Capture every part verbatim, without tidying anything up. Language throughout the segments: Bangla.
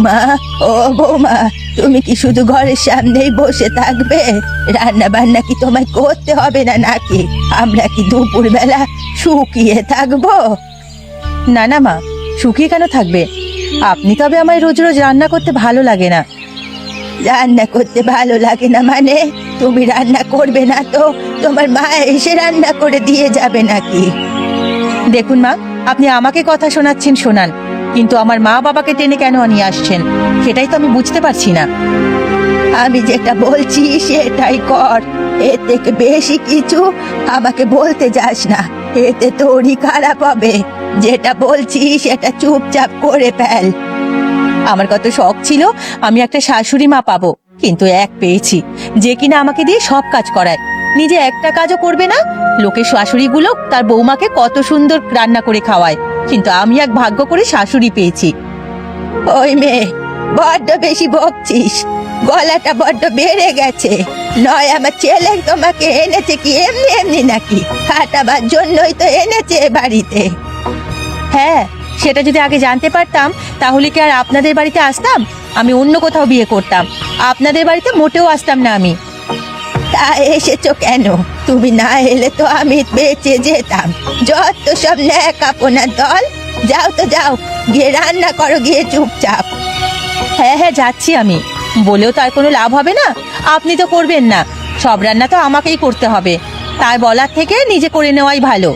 বৌমা, ও বৌমা, তুমি কি শুধু ঘরের সামনেই বসে থাকবে? রান্না বান্না কি তোমায় করতে হবে না নাকি? আমরা কি দুপুর বেলা শুকিয়ে থাকবো? না না মা, শুকিয়ে কেন থাকবে? আপনি তবে আমায় রোজ রোজ রান্না করতে ভালো লাগে না। রান্না করতে ভালো লাগে না মানে? তুমি রান্না করবে না তো তোমার মা এসে রান্না করে দিয়ে যাবে নাকি? দেখুন মা, আপনি আমাকে কথা শোনাচ্ছেন শোনান, কিন্তু আমার মা বাবাকে টেনে কেন নিয়ে আসছেন সেটাই তো আমি বুঝতে পারছি না। আমি যেটা বলছি সেটাই কর, এর থেকে বেশি কিছু আমাকে বলতে যাস না, এতে তোরই খারাপ হবে। যেটা বলছি সেটা চুপচাপ করে ফেল। আমার কত শখ ছিল আমি একটা শাশুড়ি মা পাবো, কিন্তু এক পেয়েছি যে কিনা আমাকে দিয়ে সব কাজ করায়, নিজে একটা কাজও করবে না। লোকের শাশুড়িগুলো তার বৌমাকে কত সুন্দর রান্না করে খাওয়ায়, কিন্তু আমি এক ভাগ্য করে শাশুড়ি পেয়েছি। ওই মেয়ে, বড্ড বেশি বকছিস, গলাটা বড্ড বেড়ে গেছে। নয় আমার ছেলে তোমাকে এনেছে কি এমনি এমনি নাকি? খাটাবার জন্যই তো এনেছে এ বাড়িতে। হ্যাঁ, সেটা যদি আগে জানতে পারতাম তাহলে কি আর আপনাদের বাড়িতে আসতাম? আমি অন্য কোথাও বিয়ে করতাম, আপনাদের বাড়িতে মোটেও আসতাম না আমি। তা এসেছো কেন? তুমি না এলে তো আমি বেঁচে যেতাম। যত সব ন্যাকাপনার দল। যাও তো যাও, গিয়ে রান্না করো গিয়ে চুপচাপ। হ্যাঁ হ্যাঁ যাচ্ছি আমি, বলেও তার কোনো লাভ হবে না। আপনি তো করবেন না, সব রান্না তো আমাকেই করতে হবে, তাই বলার থেকে নিজে করে নেওয়াই ভালো।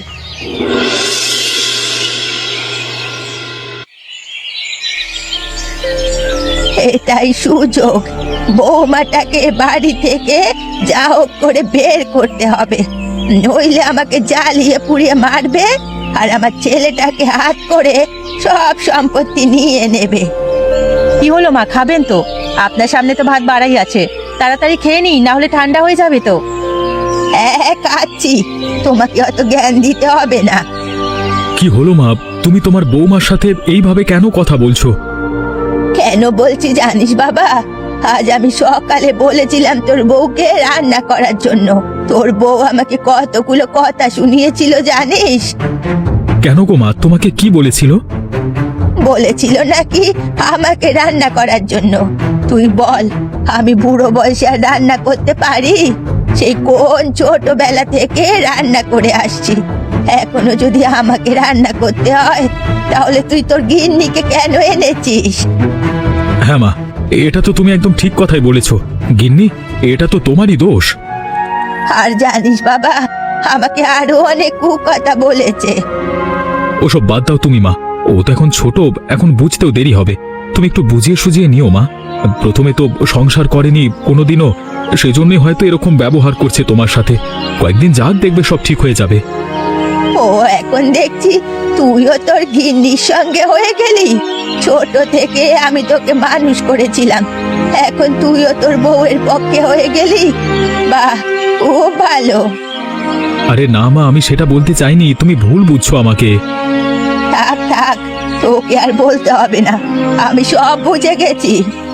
এটাই সুযোগ, বৌমাটাকে বাড়ি থেকে যা হোক করে বের করতে হবে, নইলে আমাকে জ্বালিয়ে পুড়িয়ে মারবে আর আমার ছেলেটাকে হাত করে সব সম্পত্তি নিয়ে নেবে। কি হলো মা, খাবেন তো? আপনার সামনে তো ভাত বাড়াই আছে, তাড়াতাড়ি খেয়ে নিই, না হলে ঠান্ডা হয়ে যাবে তো। হ্যাঁ খাচ্ছি, তোমাকে অত জ্ঞান দিতে হবে না। কি হলো মা, তুমি তোমার বৌমার সাথে এইভাবে কেন কথা বলছো? কেন বলছি জানিস বাবা? আজ আমি সকালে বলেছিলাম তোর বউকে রান্না করার জন্য, তোর বউ আমাকে কতগুলো কথা শুনিয়েছিল জানিস? কেন গো মা, তোমাকে কি বলেছিল? বলেছিল নাকি আমাকে রান্না করার জন্য। তুই বল, আমি বুড়ো বয়সে আর রান্না করতে পারি? সেই কোন ছোটবেলা থেকে রান্না করে আসছি, এখনো যদি আমাকে রান্না করতে হয় তাহলে তুই তোর গিন্নিকে কেন এনেছিস? হ্যাঁ মা, এটা তো তুমি একদম ঠিক কথাই বলেছো। গিন্নি, এটা তো তোমারই দোষ। আর জানিস বাবা, আমাকে আরো অনেক কুকথা বলেছে। ওসব বাদ দাও তুমি মা, ও তো এখন ছোট, এখন বুঝতেও দেরি হবে। তুমি একটু বুঝিয়ে সুঝিয়ে নিও মা। প্রথমে তো সংসার করেনি কোনোদিনও, সেজন্যই হয়তো এরকম ব্যবহার করছে তোমার সাথে। কয়েকদিন যাক, দেখবে সব ঠিক হয়ে যাবে। ও এখন দেখছি তুইও তোর গিন্নির সঙ্গে হয়ে গেলি। ছোট থেকে আমি তোকে মানুষ করেছিলাম, এখন তুইও তোর বউয়ের পক্ষে হয়ে গেলি। বাহ, খুব ভালো। আরে না মা, আমি সেটা বলতে চাইনি, তুমি ভুল বুঝছো আমাকে। থাক থাক, তোকে আর বলতে হবে না, আমি সব বুঝে গেছি।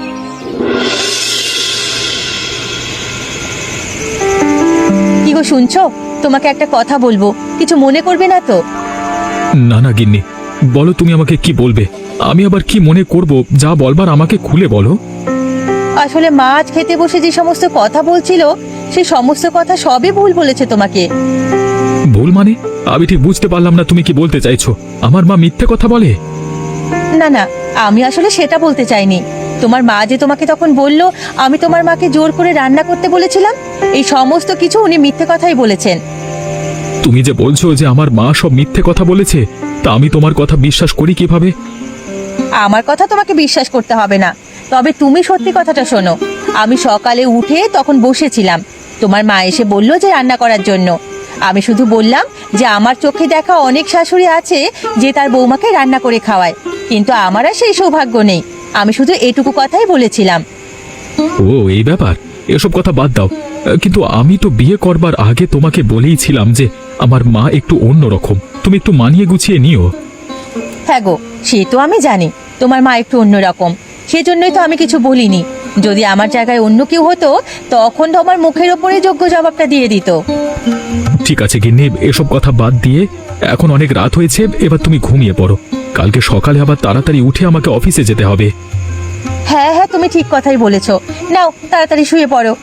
কি গো শুনছো? তোমাকে একটা কথা বলবো, কিছু মনে করবে না তো? না না গিন্নি, বলো তুমি আমাকে কি বলবে। আমি আবার কি মনে করব? যা বলবার আমাকে খুলে বলো। আসলে মাছ খেতে বসে যে সমস্ত কথা বলছিল, সেই সমস্ত কথা সবই ভুল বলেছে তোমাকে। ভুল মানে? আমি ঠিক বুঝতে পারলাম না তুমি কি বলতে চাইছো। আমার মা মিথ্যে কথা বলে? না না, আমি আসলে সেটা বলতে চাইনি। তোমার মা যে তোমাকে তখন বলল আমি তোমার মাকে জোর করে রান্না করতে বলেছিলাম, এই সমস্ত কিছু উনি মিথ্যে কথাই বলেছেন। তুমি যে বলছো যে আমার মা সব মিথ্যে কথা বলেছে, তা আমি তোমার কথা বিশ্বাস করি কিভাবে? আমার কথা তোমাকে বিশ্বাস করতে হবে না, তবে তুমি সত্যি কথাটা শোনো। আমি সকালে উঠে তখন বসেছিলাম, তোমার মা এসে বলল যে রান্না করার জন্য। আমি শুধু বললাম যে আমার চোখে দেখা অনেক শাশুড়ি আছে যে তার বৌমাকে রান্না করে খাওয়ায়, কিন্তু আমার আর সেই সৌভাগ্য নেই। আমি শুধু এটুকু কথাই বলেছিলাম। ও এই ব্যাপার, এসব কথা বাদ দাও। কিন্তু আমি তো বিয়ে করবার আগে তোমাকে বলেইছিলাম যে আমার মা একটু অন্যরকম, তুমি একটু মানিয়ে গুছিয়ে নিও। হ্যাঁ গো, সে তো আমি জানি তোমার মা একটু অন্যরকম, সেজন্যই তো আমি কিছু বলিনি। যদি আমার জায়গায় অন্য কেউ হতো তখন তো আমার মুখের ওপরে যোগ্য জবাবটা দিয়ে দিত। ঠিক আছে গিন্নি, এসব কথা বাদ দিয়ে এখন অনেক রাত হয়েছে, এবার তুমি ঘুমিয়ে পড়ো। কালকে সকালে আবার তাড়াতাড়ি উঠে আমাকে অফিসে যেতে হবে। হ্যাঁ হ্যাঁ, তুমি ঠিক কথাই বলেছো। নাও তাড়াতাড়ি শুয়ে পড়ো।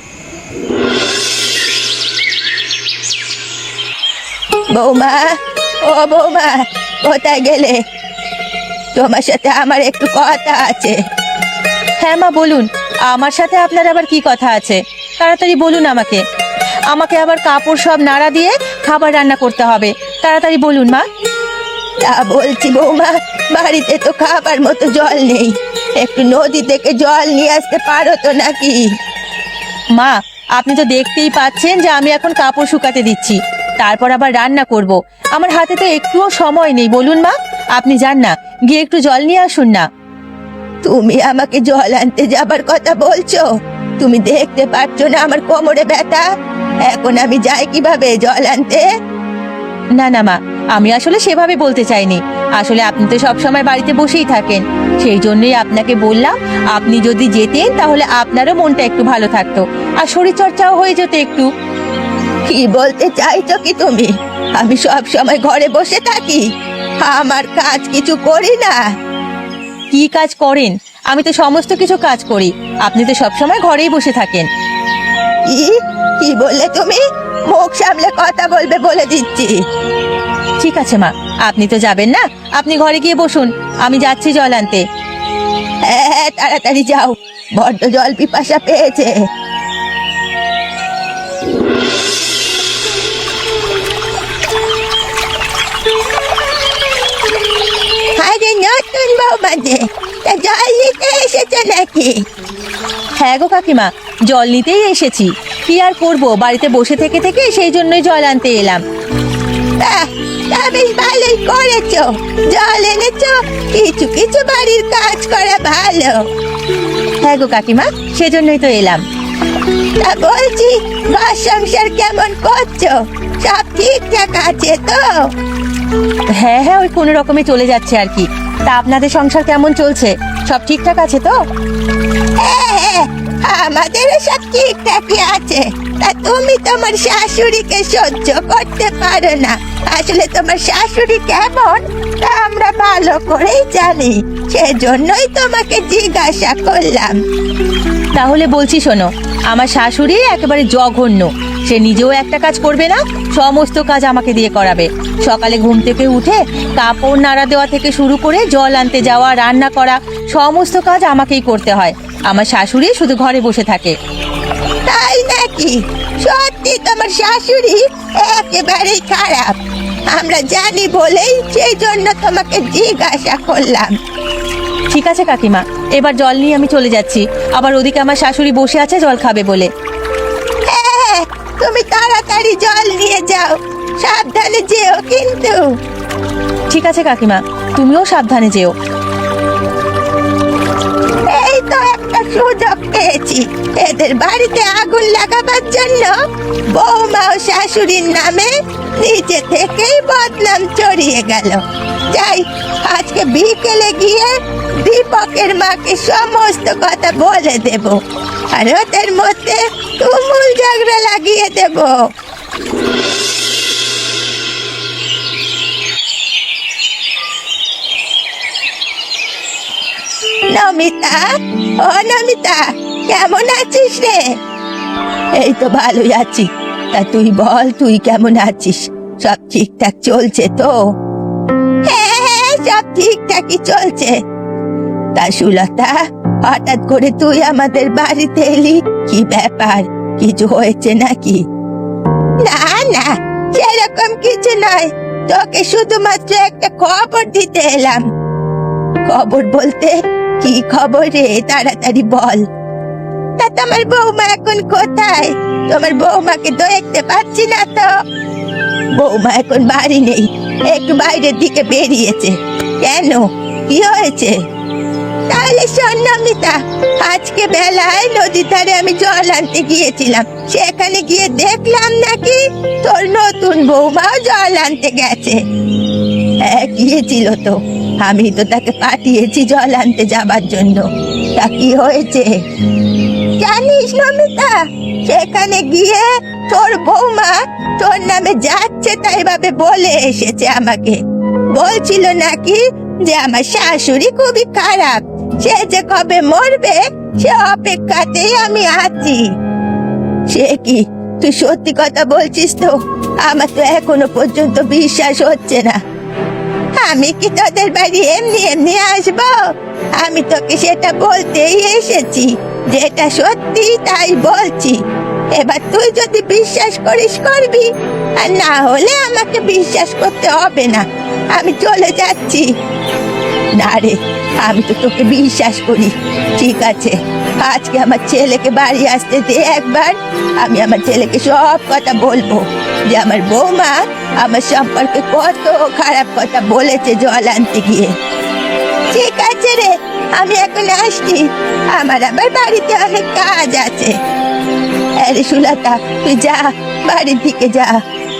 বৌমা, ও বৌমা, কোথায় গেলে? তোমার সাথে আমার একটু কথা আছে। হ্যাঁ মা, বলুন। আমার সাথে আপনার আবার কি কথা আছে? তাড়াতাড়ি বলুন আমাকে। আমাকে আবার কাপড় সব নাড়া দিয়ে খাবার রান্না করতে হবে। তাড়াতাড়ি বলুন মা। তা বলছি বৌমা, বাড়িতে তো খাবার মতো জল নেই, একটু নদী থেকে জল নিয়ে আসতে পারো তো নাকি? মা, আপনি তো দেখতেই পাচ্ছেন যে আমি এখন কাপড় শুকাতে দিচ্ছি, তারপর আবার রান্না করব। আমার হাতে তো একটুও সময় নেই। বলুন মা, আপনি যান না, গিয়ে একটু জল নিয়ে আসুন না। তুমি আমাকে জল আনতে যাবার কথা বলছো? তুমি দেখতে পাচ্ছ না আমার কোমরে ব্যথা? এখন আমি যাই কিভাবে জল আনতে? না না মা, আমি আসলে সেভাবে বলতে চাইনি। আসলে আপনি তো সবসময় বাড়িতে বসেই থাকেন, সেই জন্যই আপনাকে বললাম আপনি যদি যেতেন তাহলে আপনারও মনটা একটু ভালো থাকতো, আর শরীর চর্চাও হয়ে যেত একটু। কি বলতে চাইছো কি তুমি? আমি সব সময় ঘরে বসে থাকি? আমার কাজ কিছু করি না? কি কাজ করেন? আমি তো সমস্ত কিছু কাজ করি, আপনি তো সবসময় ঘরেই বসে থাকেন। কি কি বললে তুমি? মুখ সামলে কথা বলবে বলে দিচ্ছি। ঠিক আছে মা, আপনি তো যাবেন না, আপনি ঘরে গিয়ে বসুন, আমি যাচ্ছি জল আনতে। হ্যাঁ হ্যাঁ, তাড়াতাড়ি যাও, বড্ড জল পিপাসা পেয়েছে। আরে নতুন বৌমা যে, তা জল নিতে এসেছে নাকি? হ্যাঁ গো কাকিমা, জল নিতেই এসেছি। কি আর করব, বাড়িতে বসে থেকে থেকে সেই জন্যই জল আনতে এলাম। বাহ, তা বেশ ভালোই করেছো, জল এনেছো। কিছু কিছু বাড়ির কাজ করা ভালো। হ্যাঁ গো কাকিমা, সেজন্যই তো এলাম। তা বলছি, ঘর সংসার কেমন করছো? সব ঠিকঠাক আছে তো? হ্যাঁ হ্যাঁ, ওই কোনো রকমে চলে যাচ্ছে আর কি। তা আপনাদের সংসার কেমন চলছে? সব ঠিকঠাক আছে তো? হ্যাঁ হ্যাঁ, আমাদেরও সব ঠিকঠাকই আছে। তা তুমি তোমার শাশুড়িকে সহ্য করতে পারো না। আসলে তোমার শাশুড়ি কেমন তা আমরা ভালো করেই জানি, সেজন্যই তোমাকে জিজ্ঞাসা করলাম। তাহলে বলছি শোনো, আমার শাশুড়ি একেবারে জঘন্য। সে নিজেও একটা কাজ করবে না, সমস্ত কাজ আমাকে দিয়ে করাবে। সকালে ঘুম থেকে উঠে কাপড় নাড়া দেওয়া থেকে শুরু করে জল আনতে যাওয়া, রান্না করা, সমস্ত কাজ আমাকেই করতে হয়। আমার শাশুড়ি শুধু ঘরে বসে থাকে। তাই নাকি? সত্যি তোমার শাশুড়ি একেবারেই খারাপ। আমরা জানি বলেই সেই জন্য তোমাকে জিজ্ঞাসা করলাম। ঠিক আছে কাকিমা, এবার জল নিয়ে আমি চলে যাচ্ছি। আবার ওদিকে আমার শাশুড়ি বসে আছে জল খাবে বলে। হ্যাঁ, তুমি তাড়াতাড়ি জল নিয়ে যাও, সাবধানে যেও কিন্তু। ঠিক আছে কাকিমা, তুমিও সাবধানে যেও। এই তো একটা সুযোগ পেয়েছি, এদের বাড়িতে আগুন লাগাবার জন্য বৌমা ও শাশুড়ির নামে নিচে থেকেই বদনাম ছড়িয়ে গেল। যাই, আজকে বিকেলে গিয়ে দীপকের মাকে সমস্ত কথা বলে দেব, আর ওদের মধ্যে তুমুল ঝগড়া লাগিয়ে দেব। নমিতা, ও নমিতা, কেমন আছিস রে? এই তো ভালোই আছি। তা তুই বল, তুই কেমন আছিস? সব ঠিকঠাক চলছে তো? হ্যাঁ হ্যাঁ, সব ঠিকঠাকই চলছে। তা সুলতা, হঠাৎ করে তুই আমাদের বাড়িতে এলি, কি ব্যাপার? কিছু হয়েছে নাকি? না না, সেরকম কিছু নয়, তোকে শুধুমাত্র একটা খবর দিতে এলাম। খবর বলতে কি খবর রে? তাড়াতাড়ি বল। তা তোমার বৌমা এখন কোথায়? তোমার বৌমাকে তো দেখতে পাচ্ছি না তো। বৌমা এখন বাড়ি নেই, একটু বাইরের দিকে বেরিয়েছে। কেন, কি হয়েছে? তাহলে শোন নমিতা, আজকে বেলায় নদীর ধারে আমি জল আনতে গিয়েছিলাম, সেখানে গিয়ে দেখলাম নাকি তোর নতুন বৌমাও জল আনতে গেছে। হ্যাঁ, গিয়েছিল তো, আমি তো তাকে পাঠিয়েছি জল আনতে যাবার জন্য। তা কি হয়েছে জানিস নমিতা? সেখানে গিয়ে তোর বৌমা তোর নামে যাচ্ছে তাই ভাবে বলে এসেছে আমাকে। বলছিল নাকি যে আমার শাশুড়ি খুবই খারাপ, সে যে কবে মরবে সে অপেক্ষাতেই আমি আছি। সে কি, তুই সত্যি কথা বলছিস তো? আমার তো এখনো পর্যন্ত বিশ্বাস হচ্ছে না। আমি কি তোদের বাড়ি এমনি এমনি আসবো? আমি তোকে সেটা বলতেই এসেছি, যেটা সত্যি তাই বলছি। এবার তুই যদি বিশ্বাস করিস করবি, আর না হলে আমাকে বিশ্বাস করতে হবে না। আমি চলে যাচ্ছি। না রে, আমি তো তোকে বিশ্বাস করি। ঠিক আছে, আজকে আমার ছেলেকে বাড়ি আসতে দে একবার। আমি আমার ছেলেকে সব কথা বলবো, যে আমার বৌমা আমার সম্পর্কে কত খারাপ কথা বলেছে জল আনতে গিয়ে। ঠিক আছে রে, আমি এখন আসছি, আমার আবার বাড়িতে অনেক কাজ আছে। আরে সুলতা, তুই যা, বাড়ির দিকে যা।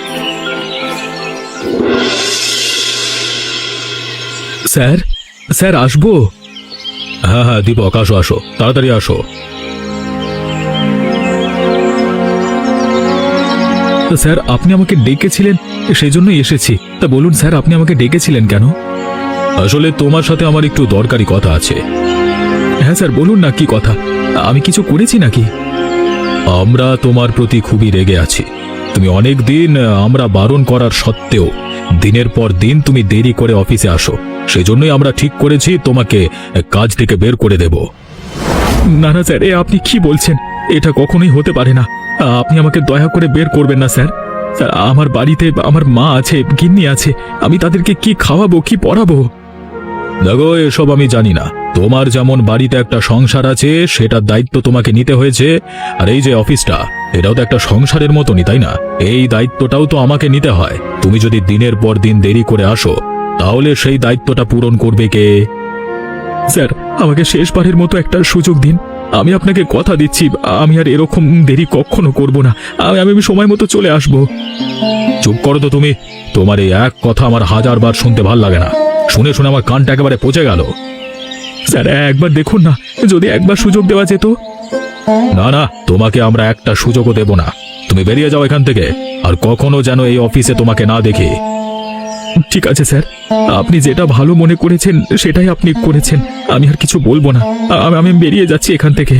স্যার, স্যার আসবো? হ্যাঁ হ্যাঁ দীপক, আসো আসো, তাড়াতাড়ি আসো। স্যার, আপনি আমাকে ডেকেছিলেন, সেই জন্যই এসেছি। তা বলুন স্যার, আপনি আমাকে ডেকেছিলেন কেন? আসলে তোমার সাথে আমার একটু দরকারি কথা আছে। হ্যাঁ স্যার, বলুন না, কি কথা? আমি কিছু করেছি নাকি? আমরা তোমার প্রতি খুবই রেগে আছি। তুমি অনেক দিন আমরা বারণ করার সত্ত্বেও দিনের পর দিন তুমি দেরি করে অফিসে আসো। সেজন্যই আমরা ঠিক করেছি তোমাকে কাজ থেকে বের করে দেব। না না স্যার, এ আপনি কি বলছেন? এটা কখনোই হতে পারে না। আপনি আমাকে দয়া করে বের করবেন না স্যার। স্যার, আমার বাড়িতে আমার মা আছে, গিন্নি আছে, আমি তাদেরকে কি খাওয়াবো, কি পড়াবো? দেখো, এসব আমি জানি না। তোমার যেমন বাড়িতে একটা সংসার আছে, সেটার দায়িত্ব তোমাকে নিতে হয়েছে। আর এই যে অফিসটা, এটাও তো একটা সংসারের মতনই, তাই না? এই দায়িত্বটাও তো আমাকে নিতে হয়। তুমি যদি দিনের পর দিন দেরি করে আসো, তাহলে সেই দায়িত্বটা পূরণ করবে কে? স্যার, আমাকে শেষবারের মতো একটা সুযোগ দিন। আমি আপনাকে কথা দিচ্ছি, আমি আর এরকম দেরি কখনো করব না। আমি আমি সময় মতো চলে আসব। চুপ করো তো তুমি। তোমার এই এক কথা আমার হাজার বার শুনতে ভাল লাগে না। শুনে শুনে আমার কানটা একেবারে পচে গেল। স্যার, একবার দেখুন না, যদি একবার সুযোগ দেওয়া যেত। না না, তোমাকে আমরা একটা সুযোগও দেব না। তুমি বেরিয়ে যাও এখান থেকে, আর কখনো যেন এই অফিসে তোমাকে না দেখি। ঠিক আছে স্যার, আপনি যেটা ভালো মনে করেছেন সেটাই আপনি করেছেন। আমি আর কিছু বলবো না। আমি আমি বেরিয়ে যাচ্ছি এখান থেকে।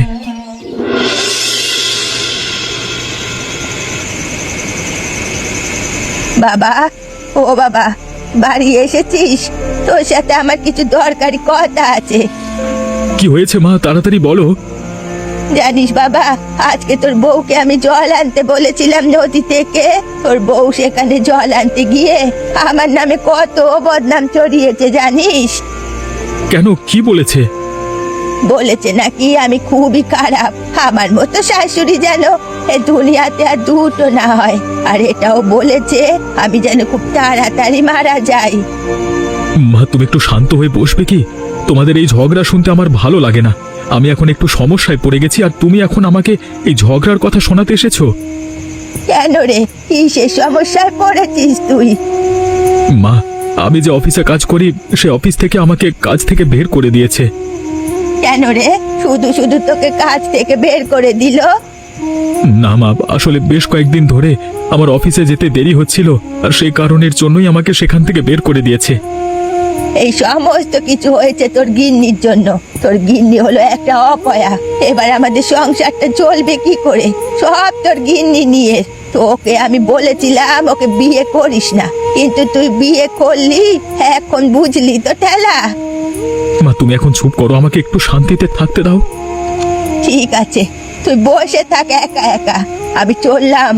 বাবা, ও বাবা, বাড়ি এসেছিস? তোর সাথে আমার কিছু দরকারি কথা আছে। কি হয়েছে মা, তাড়াতাড়ি বলো। জানিস বাবা, আজকে তোর বউকে আমি জল আনতে বলেছিলাম নদী থেকে। তোর বউ সেখানে জল আনতে গিয়ে আমার নামে কত বদনাম ছড়িয়েছে জানিস? কেন, কি বলেছে? বলেছে নাকি আমি খুবই খারাপ, আমার মতো শাশুড়ি যেন এ দুনিয়াতে আর দুটো না হয়। আর এটাও বলেছে আমি যেন খুব তাড়াতাড়ি মারা যাই। মা, তুমি একটু শান্ত হয়ে বসবে কি? তোমাদের এই ঝগড়া শুনতে আমার ভালো লাগে না। আমি এখন একটু সমস্যায় পড়ে গেছি, আর তুমি এখন আমাকে এই ঝগড়ার কথা শোনাতে এসেছো? কেন রে, কিসের সমস্যায় পড়েছিস তুই? মা, আমি যে অফিসে কাজ করি, সে অফিস থেকে আমাকে কাজ থেকে বের করে দিয়েছে। কেন রে, শুধু শুধু তোকে কাজ থেকে বের করে দিল? না মা, আসলে বেশ কয়েকদিন ধরে আমার অফিসে যেতে দেরি হচ্ছিল, আর সেই কারণের জন্যই আমাকে সেখান থেকে বের করে দিয়েছে। এই সমস্ত কিছু হয়েছে তোর গিন্নির জন্য। তোর গিন্নি হলো একটা অপয়া। এবার আমাদের সংসারটা চলবে কি করে? সব তোর গিন্নি নিয়ে। তোকে আমি বলেছিলাম ওকে বিয়ে করিস না, কিন্তু তুই বিয়ে করলি। এখন বুঝলি তো ঠেলা? মা, তুমি এখন চুপ করো, আমাকে একটু শান্তিতে থাকতে দাও। ঠিক আছে, তুই বসে থাক একা একা, আমি চললাম।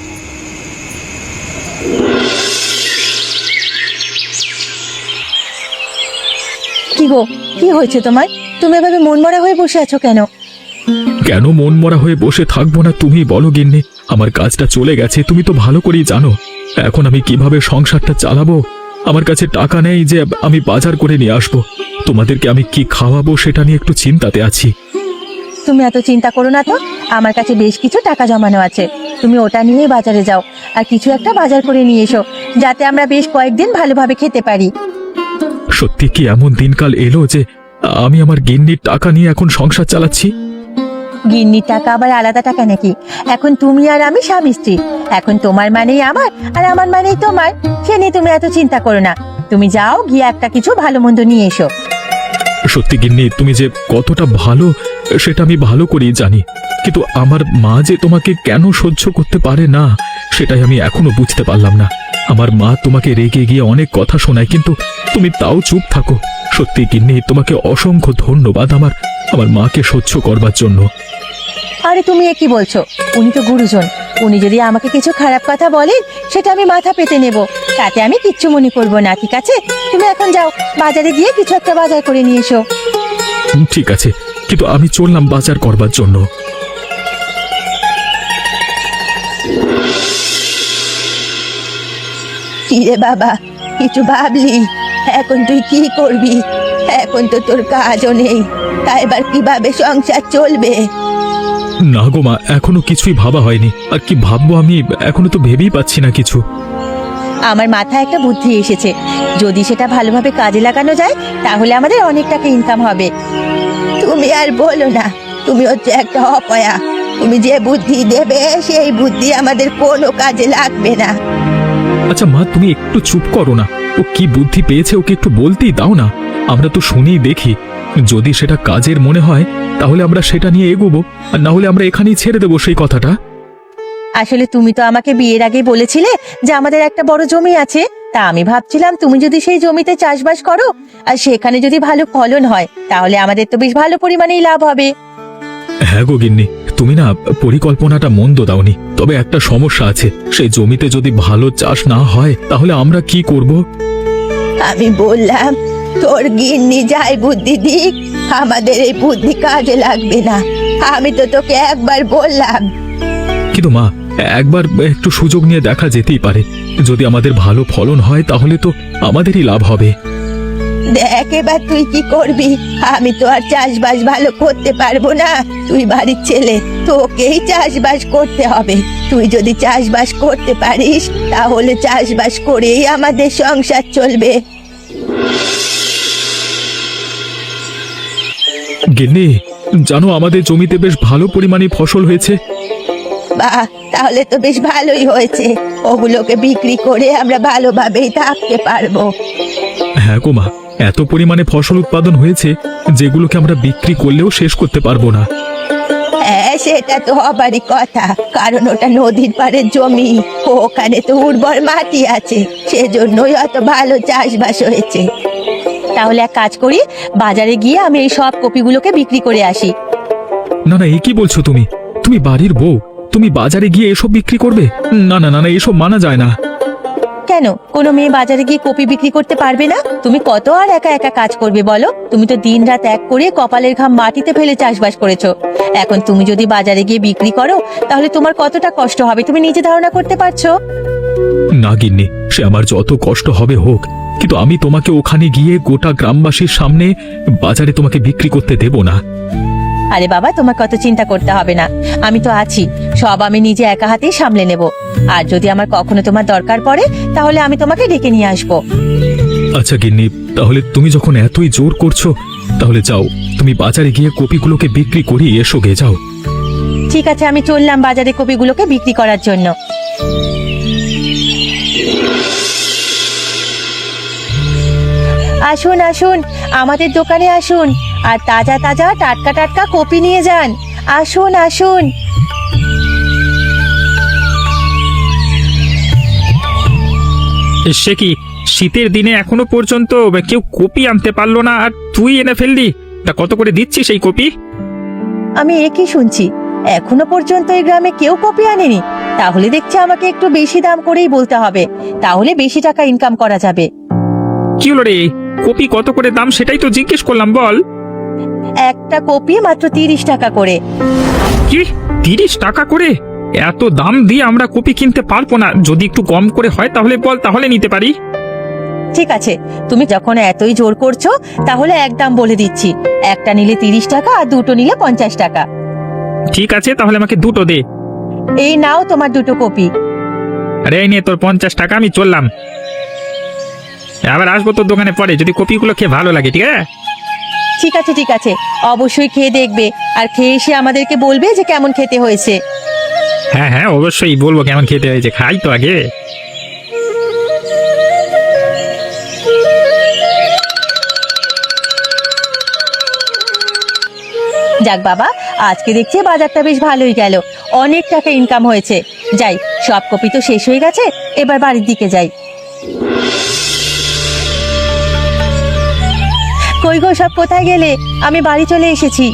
কি গো, কি হয়েছে তোমার? তুমি এভাবে মনমরা হয়ে বসে আছো কেন? কেন মন মরা হয়ে বসে থাকবো না, তুমি বলো গিন্নি। আমার কাজটা চলে গেছে, তুমি তো ভালো করেই জানো। এখন আমি কিভাবে সংসারটা চালাবো? আমার কাছে টাকা নেই যে আমি বাজার করে নিয়ে আসবো। তোমাদেরকে আমি কি খাওয়াবো সেটা নিয়ে একটু চিন্তাতে আছি। তুমি এত চিন্তা করো না তো। আমার কাছে বেশ কিছু টাকা জমানো আছে, তুমি ওটা নিয়ে বাজারে যাও আর কিছু একটা বাজার করে নিয়ে এসো, যাতে আমরা বেশ কয়েকদিন ভালোভাবে খেতে পারি। সত্যি কি এমন দিনকাল এলো যে আমি আমার গিন্নির টাকা নিয়ে এখন সংসার চালাচ্ছি? গিন্নির টাকা আবার আলাদা টাকা নাকি? এখন তুমি আর আমি স্বামী স্ত্রী। এখন তোমার মানেই আমার, আর আমার মানেই তোমার। সে নিয়ে তুমি এত চিন্তা করো না। তুমি যাও, গিয়ে একটা কিছু ভালো মন্দ নিয়ে এসো। সত্যি গিন্নি, তুমি যে কতটা ভালো সেটা আমি ভালো করেই জানি, কিন্তু আমার মা যে তোমাকে কেন সহ্য করতে পারে না সেটাই আমি এখনো বুঝতে পারলাম না। আমার মা তোমাকে রেগে গিয়ে অনেক কথা শোনায়, কিন্তু তুমি তাও চুপ থাকো। সত্যি গিন্নি, তোমাকে অসংখ্য ধন্যবাদ আমার আমার মাকে সহ্য করবার জন্য। আরে তুমি এ কি বলছো? উনি তো গুরুজন, উনি যদি আমাকে কিছু খারাপ কথা বলেন সেটা আমি মাথা পেতে নেব, তাতে আমি কিচ্ছু মনে করব না। ঠিক আছে, তুমি এখন যাও, বাজারে গিয়ে কিছু একটা বাজার করে নিয়ে এসো। ঠিক আছে, কিন্তু আমি চললাম বাজার করবার জন্য। কিরে বাবা, কিছু ভাবলি? এখন তুই কি করবি? এখন তো তোর কাজও নেই, তা এবার কিভাবে সংসার চলবে? না গো মা, এখনো কিছুই ভাবা হয়নি। আর কি ভাববো আমি, এখনো তো ভেবেই পাচ্ছি না কিছু। আমার মাথায় একটা বুদ্ধি এসেছে, যদি সেটা ভালোভাবে কাজে লাগানো যায় তাহলে আমাদের অনেক টাকা ইনকাম হবে। তুমি আর বলো না, তুমি হচ্ছে একটা অপয়া। তুমি যে বুদ্ধি দেবে সেই বুদ্ধি আমাদের কোনো কাজে লাগবে না। আচ্ছা মা, তুমি একটু চুপ করো না। ও কি বুদ্ধি পেয়েছে ওকে একটু বলতেই দাও না, আমরা তো শুনেই দেখি। যদি সেটা কাজের মনে হয় তাহলে আমরা সেটা নিয়ে এগোবো, আর না হলে আমরা এখানেই ছেড়ে দেবো সেই কথাটা। আসলে তুমি তো আমাকে বিয়ের আগে বলেছিলে যে আমাদের একটা বড় জমি আছে, তা আমি ভাবছিলাম তুমি যদি সেই জমিতে চাষবাস করো আর সেখানে যদি ভালো ফলন হয় তাহলে আমাদের তো বেশ ভালো পরিমাণেই লাভ হবে। হ্যাঁ গো গিন্নি, তুমি না পরিকল্পনাটা মন্দ দাওনি, তবে একটা সমস্যা আছে। সেই জমিতে যদি ভালো চাষ না হয় তাহলে আমরা কি করব? আমি বললাম তোর গিন্নি যাই বুদ্ধি দিক, আমাদের এই বুদ্ধি কাজে লাগবে না। আমি তো তোকে একবার বললাম। কিন্তু মা, একবার একটু সুযোগ নিয়ে দেখা যেতেই পারে। যদি আমাদের ভালো ফলন হয় তাহলে তো আমাদেরই লাভ হবে। দেখ এবার তুই কি করবি? আমি তো আর চাষবাস ভালো করতে পারবো না, তুই বাড়ির ছেলে, তোকেই চাষবাস করতে হবে। তুই যদি চাষবাস করতে পারিস তাহলে চাষবাস করেই আমাদের সংসার চলবে। গিন্নি, জানো আমাদের জমিতে বেশ ভালো পরিমাণে ফসল হয়েছে। বাহ, তাহলে তো বেশ ভালোই হয়েছে। ওগুলোকে বিক্রি করে আমরা ভালোভাবেই থাকতে পারবো। হ্যাঁ গো মা, এত পরিমাণে ফসল উৎপাদন হয়েছে যেগুলোকে আমরা বিক্রি করলেও শেষ করতে পারবো না। হ্যাঁ, সেটা তো হবারই কথা, কারণ ওটা নদীর পাড়ের জমি, ওখানে তো উর্বর মাটি আছে, সেজন্যই অত ভালো চাষবাস হয়েছে। তাহলে এক কাজ করি, বাজারে গিয়ে আমি এই সব কপিগুলোকে বিক্রি করে আসি। না না, এ কি বলছো তুমি? তুমি বাড়ির বউ, তুমি বাজারে গিয়ে এসব বিক্রি করবে? না না না না, এসব মানা যায় না। কেন, কোনো মেয়ে বাজারে গিয়ে কপি বিক্রি করতে পারবে না? তুমি কত আর একা একা কাজ করবে বলো? তুমি তো দিন রাত এক করে কপালের ঘাম মাটিতে ফেলে চাষবাস করেছো। এখন তুমি যদি বাজারে গিয়ে বিক্রি করো তাহলে তোমার কতটা কষ্ট হবে তুমি নিজে ধারণা করতে পারছো? না গিন্নি, সে আমার যত কষ্ট হবে হোক, কিন্তু আমি তোমাকে ওখানে গিয়ে গোটা গ্রামবাসীর সামনে বাজারে তোমাকে বিক্রি করতে দেব না। আরে বাবা, তোমার কত চিন্তা করতে হবে না, আমি তো আছি, সব আমি নিজে একা হাতেই সামলে নেব। আর যদি আমার কখনো তোমার দরকার পড়ে তাহলে আমি তোমাকে ডেকে নিয়ে আসবো। আচ্ছা গিন্নি, তাহলে তুমি যখন এতই জোর করছো তাহলে যাও, তুমি বাজারে গিয়ে কপিগুলোকে বিক্রি করিয়ে এসো গে, যাও। ঠিক আছে, আমি চললাম বাজারে কপিগুলোকে বিক্রি করার জন্য। আসুন আসুন, আমাদের দোকানে আসুন, আর তাজা তাজা টাটকা টাটকা কপি নিয়ে যান। আসুন আসুন। সে কি, শীতের দিনে এখনো পর্যন্ত কেউ কপি আনতে পারলো না, আর তুই এনে ফেললি? তা কত করে দিচ্ছিস এই কপি? আমি একই শুনছি, এখনো পর্যন্ত এই গ্রামে কেউ কপি আনেনি। তাহলে দেখছি আমাকে একটু বেশি দাম করেই বলতে হবে, তাহলে বেশি টাকা ইনকাম করা যাবে। কি হলো রে, কপি কত করে দাম সেটাই তো জিজ্ঞেস করলাম, বল। একটা কপি মাত্র তিরিশ টাকা করে। কি, তিরিশ টাকা করে? এত দাম দিয়ে আমরা কপি কিনতে পারবো না, যদি একটু কম করে হয় তাহলে বল, তাহলে নিতে পারি। ঠিক আছে, তুমি যখন এতই জোর করছো তাহলে এক দাম বলে দিচ্ছি, একটা নিলে তিরিশ টাকা আর দুটো নিলে পঞ্চাশ টাকা। ঠিক আছে, তাহলে আমাকে দুটো দে। এই নাও তোমার দুটো কপি। আরে এই নে তোর পঞ্চাশ টাকা, আমি চললাম। আবার আসবো তোর দোকানে পরে, যদি কপিগুলো খেয়ে ভালো লাগে, ঠিক আছে? ঠিক আছে ঠিক আছে, অবশ্যই খেয়ে দেখবে, আর খেয়ে এসে আমাদেরকে বলবে যে কেমন খেতে হয়েছে। হ্যাঁ হ্যাঁ, অবশ্যই বলবো কেমন খেতে হয়েছে, খাই তো আগে। যাক বাবা, আজকে দেখছি বাজারটা বেশ ভালোই গেল, অনেক টাকা ইনকাম হয়েছে। যাই, সব কপি তো শেষ হয়ে গেছে, এবার বাড়ির দিকে যাই। কই গো, সব কোথায় গেলে? আমি বাড়ি চলে এসেছি।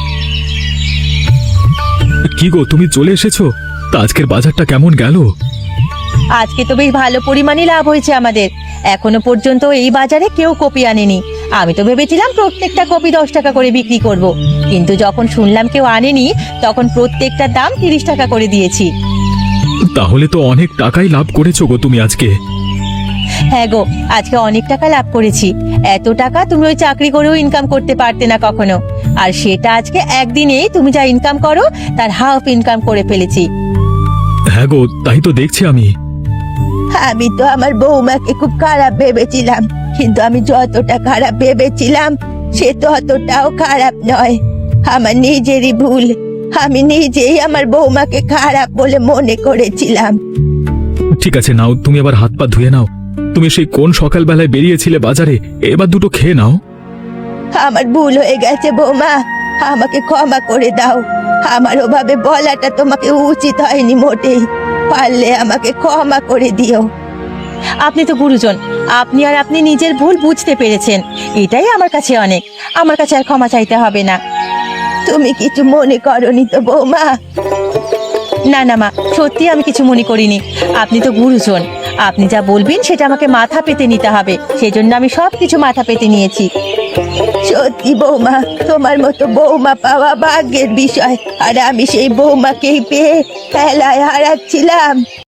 কি গো, তুমি চলে এসেছো? তা আজকের বাজারটা কেমন গেল? আজকে তো বেশ ভালো পরিমাণে লাভ হয়েছে আমাদের। এখনো পর্যন্ত এই বাজারে কেউ কপি আনেনি। আমি তো ভেবেছিলাম প্রত্যেকটা কপি দশ টাকা করে বিক্রি করব, কিন্তু যখন শুনলাম কেউ আনেনি তখন প্রত্যেকটা দাম তিরিশ টাকা করে দিয়েছি। তাহলে তো অনেক টাকাই লাভ করেছো গো তুমি আজকে। হ্যাঁ গো, আজকে অনেক টাকা লাভ করেছি। এত টাকা তুমি ওই চাকরি করেও ইনকাম করতে পারতে না কখনো, আর সেটা আজকে একদিনেই তুমি যা ইনকাম করো তার হাফ ইনকাম করে ফেলেছি। হ্যাঁ গো, তাই তো দেখছি আমি। আমি তো আমার বৌমাকে খুব খারাপ ভেবেছিলাম, কিন্তু আমি যতটা খারাপ ভেবেছিলাম সে ততটাও খারাপ নয়। আমার নিজেরই ভুল, আমি নিজেই আমার বৌমাকে খারাপ বলে মনে করেছিলাম। ঠিক আছে, নাও তুমি আবার হাত পা ধুয়ে নাও। তুমি সেই কোন সকালবেলায় বেরিয়েছিলে বাজারে, এবার দুটো খেয়ে নাও। আমার ভুল হয়ে গেছে বৌমা, আমাকে ক্ষমা করে দাও। আমার ওভাবে বলাটা তোমাকে উচিত হয়নি মোটেই, পারলে আমাকে ক্ষমা করে দিও। আপনি তো গুরুজন, আপনি আর আপনি নিজের ভুল বুঝতে পেরেছেন, এটাই আমার কাছে অনেক। আমার কাছে আর ক্ষমা চাইতে হবে না। তুমি কিছু মনে করনি তো বৌমা? না না মা, সত্যি আমি কিছু মনে করিনি। আপনি তো গুরুজন, আপনি যা বলবেন সেটা আমাকে মাথা পেতে নিতে হবে, সেজন্য আমি সব কিছু মাথা পেতে নিয়েছি। সত্যি বৌমা, তোমার মতো বৌমা পাওয়া ভাগ্যের বিষয়, আর আমি সেই বৌমাকেই পেয়ে খেলায় হারাচ্ছিলাম।